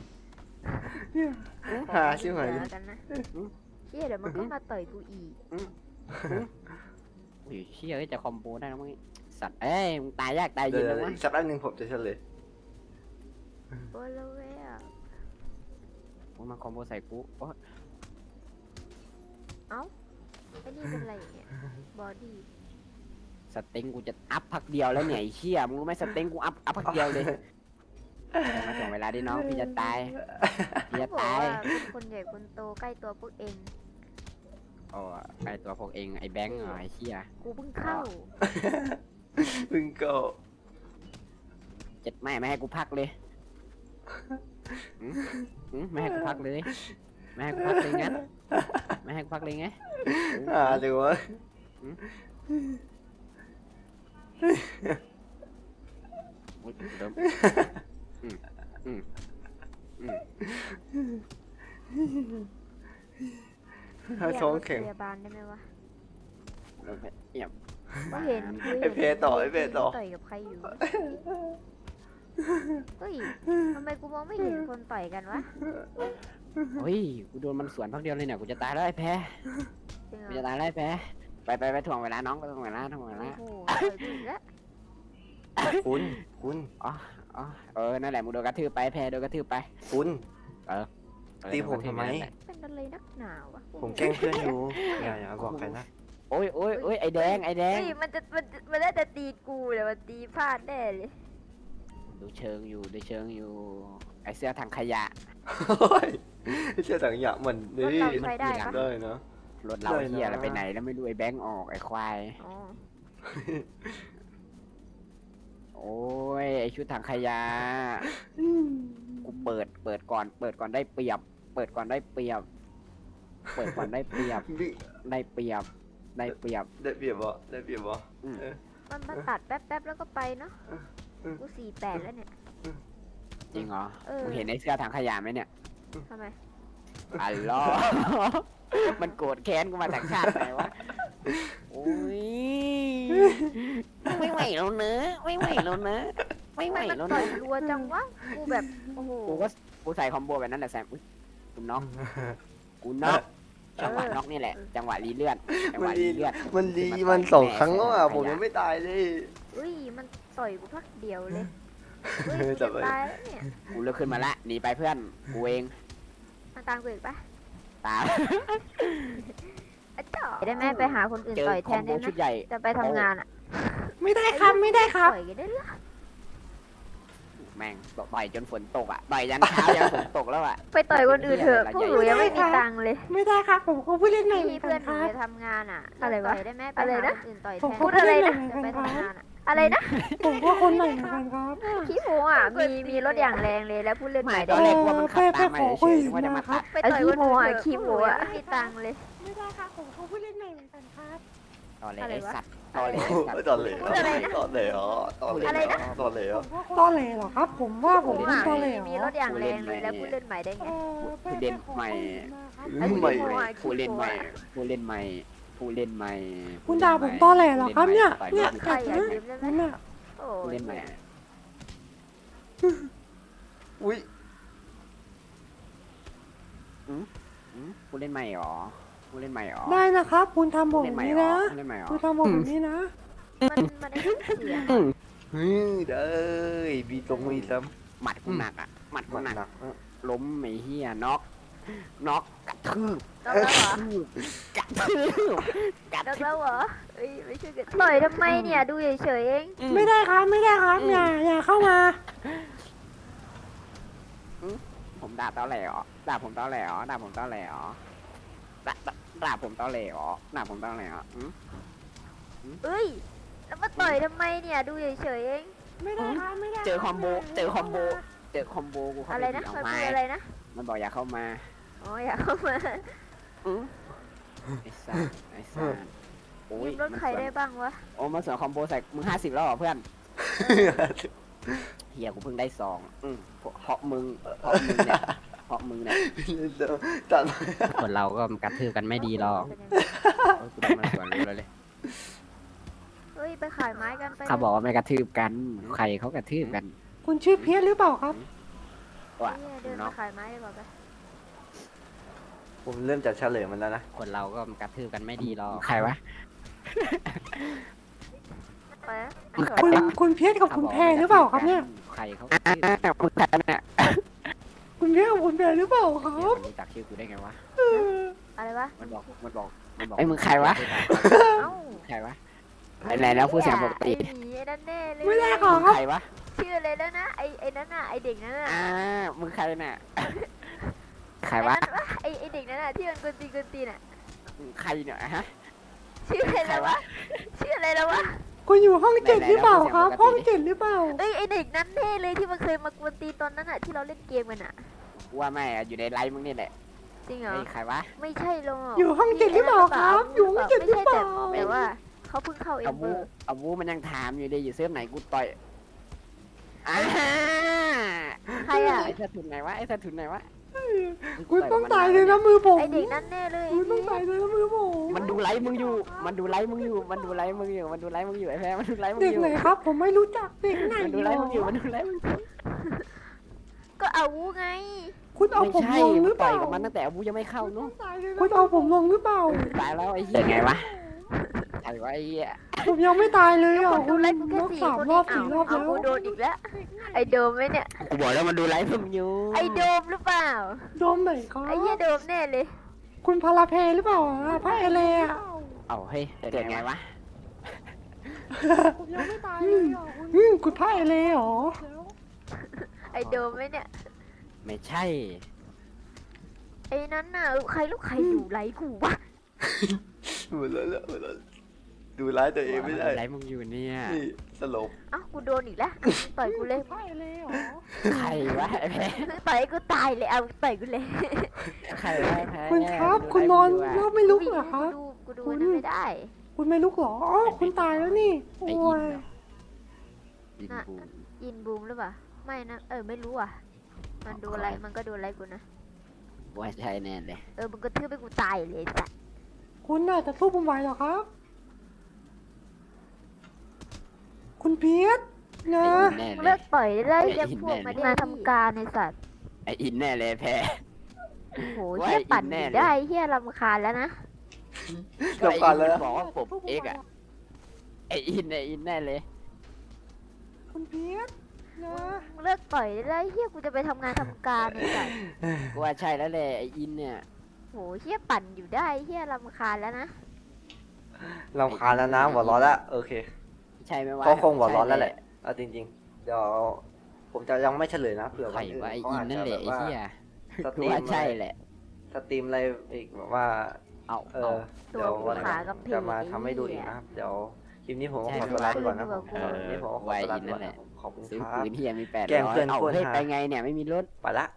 Speaker 2: หาชิบหาย
Speaker 3: เดี๋วกันนะเชี่ยเดี๋ยวมันก็มาต่อยกูอีก
Speaker 1: โอ้ยเชี่ยเอ้ยจะคอมโบได้แล้วมึงสัตว์เอ้ยมึงตายยากตาย
Speaker 2: เดี๋
Speaker 1: เย็
Speaker 2: ย
Speaker 1: น
Speaker 2: ว
Speaker 1: แล้ววะ
Speaker 2: อีกสักแป๊บนึงผมจะเฉลย
Speaker 3: โอ้ยแล้วเว้ยอะ
Speaker 1: มึงมาคอมโบใส่กูโอ้ย
Speaker 3: เอ้าไอ้นี่เป็นอะไรเนี่ยบอดี้
Speaker 1: สเต็งกูจะอัพพักเดียวแล้วเนี่ยไอ้เชี่ยมึงรู้ไหมสเต็งกูอัพอัพพักเดียวเลยมาถึงเวลาดิน้องพี่จะตายพี่จะ
Speaker 3: บอก
Speaker 1: ตาย
Speaker 3: ว่าเป็นคนใหญ่คนโตใกล้ตัวพวกเอง
Speaker 1: โอ้ไอตัวพวกเองไอแบงค์เหรอไอเชี่ย
Speaker 3: กูเพิ่งเข้า
Speaker 2: พึ่งก็
Speaker 1: เจ็ดไม่ไม่ให้กูพักเลยหืมหืมไม่ให้กูพักเลยไม่ให้กูพักเลยงั้นไม่ให้กูพักเลยไง
Speaker 2: หาเลยวะ
Speaker 1: อุ๊ยเริ่มอืมอืมอืม
Speaker 2: ถ้าท้องแข็ง
Speaker 3: เรียกรถพยาบาลได้ไหมวะ
Speaker 1: เริ่มเงียบ
Speaker 3: กูเห็นกู
Speaker 2: ไอ้
Speaker 3: เห็น
Speaker 2: เพต่อไอ้เพต่อ
Speaker 3: ต่อยกับใครอยู่เฮ้ยทำไมกูมองไม่เห็นคนต่อยกันวะ
Speaker 1: เฮ้ยกูโดนมันสวนพักเดียวเลยเนี่ยกูจะตายแล้วไอ้แพ้
Speaker 3: จริงเหร
Speaker 1: กู
Speaker 3: อ
Speaker 1: จะตายแล้วไอ้แพ้ไปไปไปถ่วงเวลาน้องไปถ่วงเวลาถ่วงเว
Speaker 3: โอ้
Speaker 1: ลา
Speaker 3: โหต่อยกูอีกแล้ว
Speaker 2: คุณคุณ
Speaker 1: อ๋ออ๋อเออนั่นแหละมึงโดนกระทืบไปแพ้โดนกระทืบไป
Speaker 2: คุณ
Speaker 1: เออ
Speaker 2: ตีผมทำไม
Speaker 1: นั่นแหละ
Speaker 3: เป็นอะไรนักหนาวะ
Speaker 2: ผมแกล้งเพื่อนอยู่อย่าอย่าบอกใครนะ
Speaker 1: โอ้ยโอ้ยโอ้ยไอแดงไอแดง
Speaker 3: เฮ้ยมันจะมันจะมันน่าจะตีกูแต่มันตีพลาดแน่เลย
Speaker 1: ดูเชิงอยู่ดูเชิงอยู่ไอเสื้อถังขยะ
Speaker 2: โอ้ยไม่เชื่อถังหยะเหมือน
Speaker 3: รถ
Speaker 2: นี่
Speaker 3: เราใช้ได้ปะ
Speaker 2: ได้เนาะ
Speaker 1: รถเรา
Speaker 2: ได้นะ
Speaker 1: เฮียอะไรไปไหนแล้วไม่รู้ไอแบงค์ออกไอควาย
Speaker 3: อ๋อ
Speaker 1: โอ้ยไอชุดถังขยะกูเปิดเปิดก่อน เปิดก่อนได้เปรียบ เปิดก่อนได้เปรียบ เปิดก่อนได้เปรียบ
Speaker 2: วิ่ง
Speaker 1: ได้เปรียบ ได้เปรียบ
Speaker 2: ได้เปรียบบ่ได้เปรียบบ่
Speaker 1: อืม
Speaker 2: เออ
Speaker 3: มันมาตัดแป๊บๆแล้วก็ไปเนาะ
Speaker 2: อืม
Speaker 3: กูสี่แปดแล้วเนี่ย
Speaker 1: จริงเหรอ
Speaker 3: เออ
Speaker 1: มึงเห็นไอเสื้อถังขยะไหมเนี่ย
Speaker 3: ทำไม
Speaker 1: อัลลอฮ์ มันโกรธแค้นกูมาจากชาติไหนวะ โอ้ย ไม่ไหวแล้วเนอะไม่ไหวแล้วเนอะไม่ไหว
Speaker 3: มัน
Speaker 1: แล้ว
Speaker 3: ต่อ
Speaker 1: เน
Speaker 3: ย
Speaker 1: อะ
Speaker 3: รัวจังวะ กูแบบ โอ้โห
Speaker 1: กูก็กูใส่คอมโบแบบนั้นแหละแซมอุ๊ยกูน็อกกูน็อกจังหวะน็อกนี่แหละ จังหวะรีเลือดจังห
Speaker 2: มัน
Speaker 1: วะ
Speaker 2: ดี
Speaker 1: รีเลือด
Speaker 2: มันดี
Speaker 1: มัน
Speaker 2: มัน
Speaker 1: ต่อย
Speaker 2: สอง
Speaker 1: แม่
Speaker 2: ครั้งแล้วอ่ะ
Speaker 1: ใส่
Speaker 2: ผม
Speaker 1: ขยะ
Speaker 2: ยังไม่ตายเลย
Speaker 3: อุ้ย มันต่อยกูพักเดียวเลยเฮ้ยกู
Speaker 2: จั
Speaker 3: จะ
Speaker 2: บไว้
Speaker 3: ตายแล้วเนี่ย
Speaker 1: กูเลิกขึ้นมาละหนีไปเพื่อน กูเอง
Speaker 3: มาตามกูอีกปะ
Speaker 1: ตาม
Speaker 3: อ่ะจ่อได้ไหมไปหาคนอื่น
Speaker 1: เจอ
Speaker 3: ต่อย
Speaker 1: ค
Speaker 3: แท
Speaker 1: อม
Speaker 3: น
Speaker 1: โบ
Speaker 3: ได้
Speaker 1: ชุด
Speaker 3: ไหม
Speaker 1: ใหญ่
Speaker 3: จะไปทำงานอ่ะ
Speaker 2: ไม่ได้ครับไม่ได้ครับ
Speaker 3: ต่อยกันได้เหรอ
Speaker 1: แม่งต่อยจนฝนตกอ่ะต่อยยันเช้ายันฝนตกแล้วอ่ะ
Speaker 3: ไปต่อยคนอื่นเถอะพวกหนูยังไม่มีตังค์เลย
Speaker 5: ไม่ได้ครับผมก็ผู้เล่นใหม่เหมื
Speaker 3: พี่
Speaker 5: อนกั
Speaker 3: เพื่อน
Speaker 5: น
Speaker 3: ห
Speaker 5: ค
Speaker 3: นู
Speaker 5: รับ
Speaker 3: จะทำงานอ่ะ
Speaker 5: อะไรวะ
Speaker 3: ต่ยได้ไหมไป
Speaker 5: อะไร
Speaker 3: หา
Speaker 5: นะ
Speaker 3: คนอื่นต่อย
Speaker 5: ผม
Speaker 3: แทน
Speaker 5: พูด
Speaker 3: อะไร
Speaker 5: อะไร
Speaker 3: นะ
Speaker 5: นะ
Speaker 3: จะไปทำงานอ่ะ
Speaker 5: อะไรนะผมก็คนใหม่เหมือนกันครับ
Speaker 3: พี่หมูอ่ะมีมีรถอย่างแรงเลยแล้วพูดเล่นใหม่
Speaker 1: ตอนแรกว่ามันขับตามมา
Speaker 5: เออ
Speaker 1: เฉยๆนึกว่าจะมาตัด
Speaker 3: ไปต่อยคนอื่นเถอะขี้หมูอ่ะไม่มีตังค์เลย
Speaker 5: ไม่ได้ครับผมก็ผู้เล่นใหม่เหมือนกันครับ
Speaker 1: ตอนแรก
Speaker 3: อะไร
Speaker 1: ไอ้
Speaker 3: วะ
Speaker 1: สัตว์ตอนแรก
Speaker 2: โอ้
Speaker 1: ไอ้สัตว์
Speaker 2: ตอนเหลว
Speaker 3: พูดอะไรนะ
Speaker 2: ตอนเหลวตอนเหลว
Speaker 3: อะไรนะ
Speaker 2: ตอนเหลว
Speaker 5: ตอแหลเหรอครับ ผมว่าผมเป็นตอแหล
Speaker 3: มีรถอย่างแรงเลยแล้วพูดเล่นใหม่ได้ไง
Speaker 5: เออ
Speaker 1: ผู้เล่นใหม่
Speaker 3: ไอ้
Speaker 2: ใหม่
Speaker 3: ขี้โม้อะ
Speaker 1: ผู้เล่นใหม่ผู้เล่นใหม่ผู้เล่นใหม่
Speaker 5: คุณด่าผมตอแหลเหรอครับเนี่ยเนี่ย
Speaker 3: ใครอยากยืมได้ไหม
Speaker 5: นั่นน่ะ
Speaker 3: โอ้
Speaker 1: ผู้
Speaker 3: ย
Speaker 1: เล่นใหม่
Speaker 2: อุ้ย
Speaker 1: อืมผู้เล่นใหม่หรอผู้เล่นใหม่หรอ
Speaker 5: ได้นะครับ คุณทำผ
Speaker 1: ผู้
Speaker 5: ม
Speaker 1: เล่
Speaker 5: แบ
Speaker 1: น
Speaker 5: บ
Speaker 1: ใหม่
Speaker 5: นี้
Speaker 1: หรอ
Speaker 5: นะ
Speaker 1: ผู้เล่นใหม่หรอ
Speaker 5: คุณทำผมแบบนี้นะ
Speaker 3: มันมันได้ยินเสียง
Speaker 2: เฮ้ยเด้อมีตรงมีซ้
Speaker 1: หมัดกูหนักอ่ะหมัด
Speaker 2: ำ
Speaker 1: กูหนัก
Speaker 2: หนัก
Speaker 1: ล้มไอ้เหี้ยน็อกน็อกกระทืบ
Speaker 3: แล้วเหรอก
Speaker 1: ระทืบกระ
Speaker 3: แล้ว
Speaker 1: ทืบ
Speaker 3: แล้วเหรอเอ้ยไม่ช่วยกันต่อยทำไมเนี่ยดูเฉยๆเอง
Speaker 5: ไม่ได้ครับไม่ได้ครับอย่าอย่าเข้ามา
Speaker 1: ผมด่าตอแหลเหรอด่าผมตอแหลเหรอด่าผมตอแหลเหรอด่าด่าด่าผมตอแหลเหรอด่าผมตอแหลเหรออืม
Speaker 3: เอ้ยแล้วมาต่อยทำไมเนี่ยดูเฉยๆเอง
Speaker 5: ไม่ได้ครับไม่ได้
Speaker 1: เจอคอมโบเจอคอมโบเจอคอมโบกูเข้า
Speaker 3: อะ
Speaker 1: ไป
Speaker 3: ไรนะ
Speaker 1: เอา
Speaker 3: มัน
Speaker 1: ไม้
Speaker 3: คืออะไรนะ
Speaker 1: มันบอกอย่าเข้ามา
Speaker 3: อ๋ออยากเข้ามา
Speaker 1: อืมไอ้สัสไอ้สัสโอ้ย
Speaker 3: ยืมรถใครได้บ้างวะ
Speaker 1: โอ้มาเสือคอมโบใส่มึงห้าสิบแล้วเหรอเพื่อนเฮียกูเพิ่งได้สองอืมเพราะมึงเพราะมึงเนี่ยเพราะมึงเนี่ย
Speaker 2: ตัด
Speaker 1: คนเราก็กระทืบกันไม่ดีหรอก
Speaker 3: เป็นยังไง
Speaker 1: กูได้มาสวนรู้แล้วเลย
Speaker 3: เฮ้ยไปขายไม้กันไป
Speaker 1: เขาบอกว่าไม่กระทืบกัน ใครเขากระทืบกัน
Speaker 5: คุณชื่อเพียรหรือเปล่าครับ
Speaker 1: ว่ะ
Speaker 3: เนี่ยเดิน
Speaker 1: เนาะ
Speaker 3: ไปขายไม้ดีกว่าไป
Speaker 2: ผมเริ่มจะเฉลยมันแล้วนะ
Speaker 1: คนเราก็กระทืบกันไม่ดีหรอก ใครวะ
Speaker 3: ไปนะ
Speaker 5: คุณคุณเพียรกับคุณแพรหรือเปล่าครับเนี่ย
Speaker 1: ใครเขากระทืบกันมึงใครเนี่ย
Speaker 5: คุณเพียรกับคุณแพรหรือเปล่าครั
Speaker 1: เดี๋ยว
Speaker 5: บ
Speaker 1: มันรู้จักชื่อกูได้ไงวะ
Speaker 3: อะไรวะ
Speaker 1: มันบอก มันบอก มันบอกไอ้ยมึงใครวะ
Speaker 3: เอ้า
Speaker 1: ใครวะไอ้ไหนแล้วพูดเสียงปกติ
Speaker 3: ไอ้หมีไอ้นั่นแน่เลย
Speaker 5: ไม่ได้ครั
Speaker 1: มึ
Speaker 5: บ
Speaker 1: งใครวะ
Speaker 3: ชื่ออะไรแล้วนะไอ้ไอ้นั่นน่ะไอ้เด็กนั่นน่ะ
Speaker 1: อ่า มึงใครน่ะ ใครวะ
Speaker 3: ไอ้นั่นวะไอ้ไอ้เด็กนั่นน่ะที่มันกวนตีนกวนตีนอ่ะ
Speaker 1: มึงใครเนี่ยฮะ
Speaker 3: ชื่ออะไรแล้ววะชื่ออะไรแล้ววะ
Speaker 5: คุณอยู่ห้องเจ็ดหรือเปล่าครับ ห้องเจ็ดหรือเปล่า
Speaker 3: เอ้ยไอ้เด็กนั้นแน่เลยที่มันเคยมากวนตีนตอนนั้นอ่ะที่เราเล่นเกมกันอ่ะ
Speaker 1: กูว่าไม่อะอยู่ในไลฟ์มึงนี่แหละ
Speaker 3: จริงเหรอ
Speaker 1: เฮ้ยใครวะ
Speaker 3: ไม่ใช่หรอก
Speaker 5: อยู่ห้องเจ็ดหรือเปล่าครับอยู่ห้องเจ็ดหรือเปล่า
Speaker 3: ไม่ใช่แต่แต่ว่าเขาเพิ่งเข้าเอ็
Speaker 1: เอา
Speaker 3: มเบ
Speaker 1: วู
Speaker 3: อร์
Speaker 1: เอาวูมันยังถามอยู่เลยอยู่เซิร์ฟไหนกูต่อยอ่า
Speaker 3: ใครอ่ะ
Speaker 1: ไอ้สะทุนไหนวะ ไอ้สะทุนไหนวะ
Speaker 5: คุณต้องตายเลยนะมือผม
Speaker 3: ไอเด็กนั้นแน่เลย
Speaker 5: คุณต้องตายเลยนะมือผม
Speaker 1: มันดูไลฟ์มึงอยู่ มันดูไลฟ์มึงอยู่ มันดูไลฟ์มึงอยู่ มันดูไลฟ์มึงอยู่ไอ้แพ้มันดูไลฟ์มึง
Speaker 5: เด็ก
Speaker 1: อยู่
Speaker 5: ไหนครับ ผมไม่รู้จักเด็กไหน
Speaker 1: มันดูไลฟ์มึงอยู่ มันดูไลฟ์มึงอยู่
Speaker 3: ก็เอาวูไง
Speaker 5: คุณเอา
Speaker 1: ไม่
Speaker 5: ผม
Speaker 1: ใช่
Speaker 5: ลงห
Speaker 1: มึ
Speaker 5: รื
Speaker 1: ง
Speaker 5: อเป
Speaker 1: ต่อ
Speaker 5: ล่าย
Speaker 1: กับมันตั้งแต่อาวุยังไม่เข้าเนู้
Speaker 5: คุณเอาผมลงหรือเปล่า
Speaker 1: ตายแล้วไอ้เหี้ยไงวะใครวะไอ้เหี้ย
Speaker 5: ผมยังไม่ตายเลยอ่ะ
Speaker 3: คน
Speaker 5: คุ
Speaker 3: ดู
Speaker 5: ณ
Speaker 3: ไลฟ์กูแค่
Speaker 5: นก
Speaker 3: สี่
Speaker 5: สาม
Speaker 3: คน
Speaker 5: รอบ
Speaker 3: เอ
Speaker 5: สี่
Speaker 3: ง
Speaker 5: รอบ
Speaker 3: เอา
Speaker 5: แล้ว
Speaker 3: กูโดนอีกแล้ว ไอโดมไหมเนี่ย
Speaker 1: กูบอกแล้วมันดูไลฟ์มึงอยู่
Speaker 3: ไอโดมหรือเปล่า
Speaker 5: โดมไหนครับ
Speaker 3: ไอเหี้ยโดมแน่เลย
Speaker 5: คุณพาราเพหรือเปล่าอ่ะพระเอเลอ่ะ
Speaker 1: เอาเฮ้ยเกิดไงวะ
Speaker 5: ผมยังไม่ตายเลยอ่ะอืมคุณพระเอเลเหรอ
Speaker 3: ไอโดมไหมเนี่ย
Speaker 1: ไม่ใช่
Speaker 3: ไอนั้นน่ะใครลูกใครดูไลฟ์กูวะ
Speaker 2: หมดแล้วหมดแล้วดูร้ายตัวเองไม่ได้
Speaker 1: ไลฟ์มึงอยู่เนี่ย
Speaker 2: นี่สลบ
Speaker 3: เอ้ากูโดนอีกแล้วต่อยกูเลย
Speaker 5: พระเอเลเหรอ
Speaker 1: ใครวะไอ้แพ้
Speaker 3: ต่อยให้กูตายเลยเอาต่อยกูเลย
Speaker 1: ใครวะไอ้แพ้
Speaker 5: คุณครับ
Speaker 1: ดู
Speaker 5: คุณ
Speaker 1: ไล
Speaker 5: นอน
Speaker 1: ฟ์มึงอยู่
Speaker 5: แล้ว
Speaker 1: อะ
Speaker 5: ไม่ลุกเหรอครับ
Speaker 3: ดูกูดูนั่นไม่ได้
Speaker 5: คุณไม่ลุกเหรออ๋อคุณตายแล้วนี่
Speaker 1: ไอ้
Speaker 5: โอ้
Speaker 1: อิน
Speaker 5: ย
Speaker 1: เหรออินบูม
Speaker 3: ยินบูมหรือเปล่าไม่นะเออไม่รู้อ่ะ มันดูอะไรมันก็ดูอะไรกูนะ
Speaker 1: ว่าใช่แน่เลย
Speaker 3: เออมึงก็ทืบให้กูตายเลยจ้ะ
Speaker 5: คุณน่ะจะสู้ผมไหวเหรอครับ คุณเพียรนะ
Speaker 1: ไอ้อินแน่เล
Speaker 3: เลิ
Speaker 1: ย
Speaker 3: กต่อยได้
Speaker 1: ไอ้
Speaker 3: เรียก
Speaker 1: อิน
Speaker 3: พวก
Speaker 1: แน่
Speaker 3: มา
Speaker 1: เลย
Speaker 3: มาทำการในสัตว์
Speaker 1: ไออินแน่เลยแพ้
Speaker 3: โอ้โห
Speaker 1: ว่า
Speaker 3: เฮีย
Speaker 1: ไอ้
Speaker 3: ปั่น
Speaker 1: อินแน่
Speaker 3: อยู่
Speaker 1: เลย
Speaker 3: ได้เฮียรำคาญแล้วนะ
Speaker 2: จบก่อนเลย
Speaker 1: บอกว่าผมเอ็กอะไออินไออินแน่เลย
Speaker 5: คุณเพียรนะ
Speaker 3: มึงเลิกต่อยได้เฮียกูจะไปทำงานทำการในสัตว์
Speaker 1: กูว่าใช่แล้วแหละไออินเนี่ย
Speaker 3: โหเฮียปั่นอยู่ได้เฮียรำคาญแล้วนะ
Speaker 2: รำคาญแล้วนะหัวร้อนแล้วโอเค
Speaker 1: ใช่ไหมวะ
Speaker 2: เขาคงหัวร้อนแล้วแหละเอาจริงๆ เดี๋ยวผมจะยังไม่เฉลยนะเผื่อ
Speaker 1: ใคร
Speaker 2: วันอื่น
Speaker 1: ว่าไอ้
Speaker 2: เขา
Speaker 1: อิน
Speaker 2: อาจ
Speaker 1: นั่น
Speaker 2: จะ
Speaker 1: แห
Speaker 2: แบ
Speaker 1: ละ
Speaker 2: บ
Speaker 1: ไอ้
Speaker 2: ว่า
Speaker 1: เหี้ย
Speaker 2: สตรีม
Speaker 1: ว่า
Speaker 2: อะไร
Speaker 1: ใช่แหละ
Speaker 2: สตรีมอะไรอีกแบบว่า
Speaker 1: เอา
Speaker 2: เอ
Speaker 1: เอา
Speaker 2: อเดี๋ยววันห
Speaker 3: ขา
Speaker 2: ลัง
Speaker 3: กับเพจ
Speaker 2: จะมาทำให้ดู
Speaker 3: ไอ้
Speaker 2: อีก
Speaker 3: เหี้ย
Speaker 2: นะครับเดี๋ยวคลิปนี้ผมก็
Speaker 1: ใช่
Speaker 2: ขอตัวลาไปก่อนนะ
Speaker 3: เอ
Speaker 2: ผม
Speaker 3: อ
Speaker 2: คลิปนี้ผมก็ขอตัวลาไปก่อนนะขอบคุณ
Speaker 1: ซื้อ
Speaker 2: ครับ
Speaker 1: ปืนเฮียมีแปด
Speaker 2: แกล้ง
Speaker 1: ร้อ
Speaker 2: เพื่
Speaker 1: ย
Speaker 2: อน
Speaker 1: เอา
Speaker 2: โคตร
Speaker 1: เฮ้ย
Speaker 2: ฮา
Speaker 1: ไปไงเนี่ยไม่มีรถ
Speaker 2: ไปละ